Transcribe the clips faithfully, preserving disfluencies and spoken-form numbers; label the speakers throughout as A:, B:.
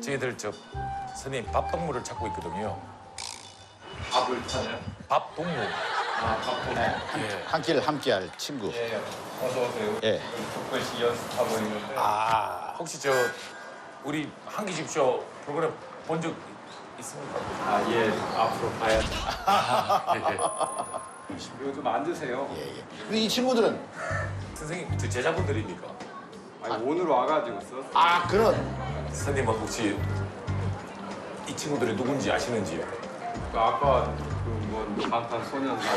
A: 저희들 저 선생님 밥 동물을 찾고 있거든요.
B: 밥을 찾아요?
A: 밥 동물.
B: 아, 밥 보네.
A: 예.
C: 한 끼를 함께할 친구.
B: 예, 어서 오세요.
C: 예.
B: 조금씩 연습하고 있는데.
A: 아 혹시 저 우리 한기집쇼 프로그램 본 적 있습니까?
B: 아, 예, 앞으로 봐야죠.
A: 아, 예, 예.
B: 요즘 앉으세요.
C: 예, 예. 근데 이 친구들은
A: 선생님 저 제자분들입니까?
B: 아니, 오늘 와가지고 써.
C: 아 그런
A: 선생님 혹시 이 친구들이 누군지 아시는지요?
B: 그 아까 그뭐 방탄소년단.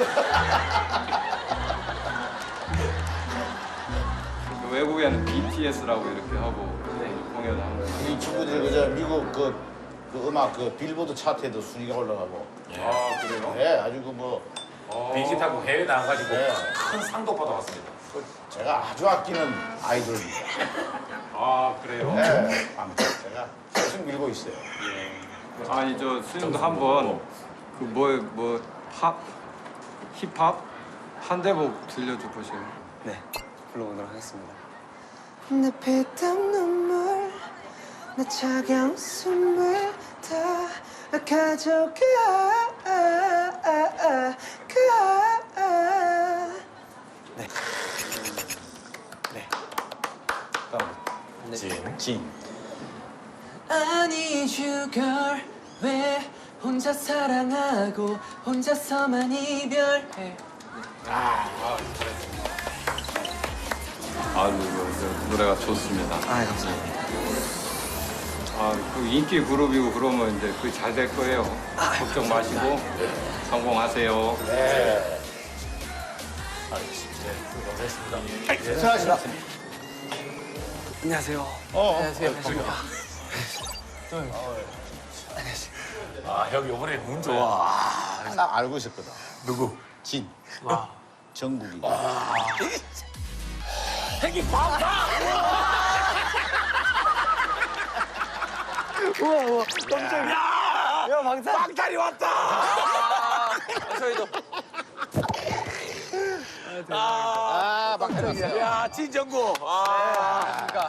B: 그 외국에는 비티에스라고 이렇게 하고 공연하는 거.
C: 이 친구들이 그저 미국 그, 그 음악 그 빌보드 차트에도 순위가 올라가고.
B: 아, 그래요?
C: 예, 아주 그뭐
A: 비행기 타고 해외 나가가지고
C: 네.
A: 큰 상도 받아왔습니다.
C: 제가 아주 아끼는 아이돌입니다.
B: 아, 그래요?
C: 예, 아무튼 제가 계속 밀고 있어요.
B: 예. 아니, 저 스님도 한번 그 뭐, 뭐, 팝? 힙합? 한 대목 들려줘 보세요.
D: 네, 불러보도록 하겠습니다.
E: 내 피땀 눈물 내 차가운 숨을 다 가져가
D: 네. 네.
A: 진.
C: 진.
E: I need you girl 왜 혼자 사랑하고 혼자서만 이별해
B: 아유, 그 노래가 좋습니다.
D: 아, 감사합니다.
B: 아, 그 인기 그룹이고 그러면 이제 그 잘 될 거예요. 걱정 마시고 성공하세요.
C: 네.
A: 알겠습니다. 네, 감사했습니다.
C: 수고하셨습니다.
D: 안녕하세요.
C: 어,
E: 안녕하세요
A: 아, 형 이번에 운 좋아.
C: 딱 알고 있었거든.
A: 누구?
C: 진. 정국이.
A: 형이 밥다!
D: 우와, 우와, 깜짝이야. 야, 방탄.
A: 빵탈이 왔다!
D: 저희도.
C: 아, 막
A: 야, 진정구. 아.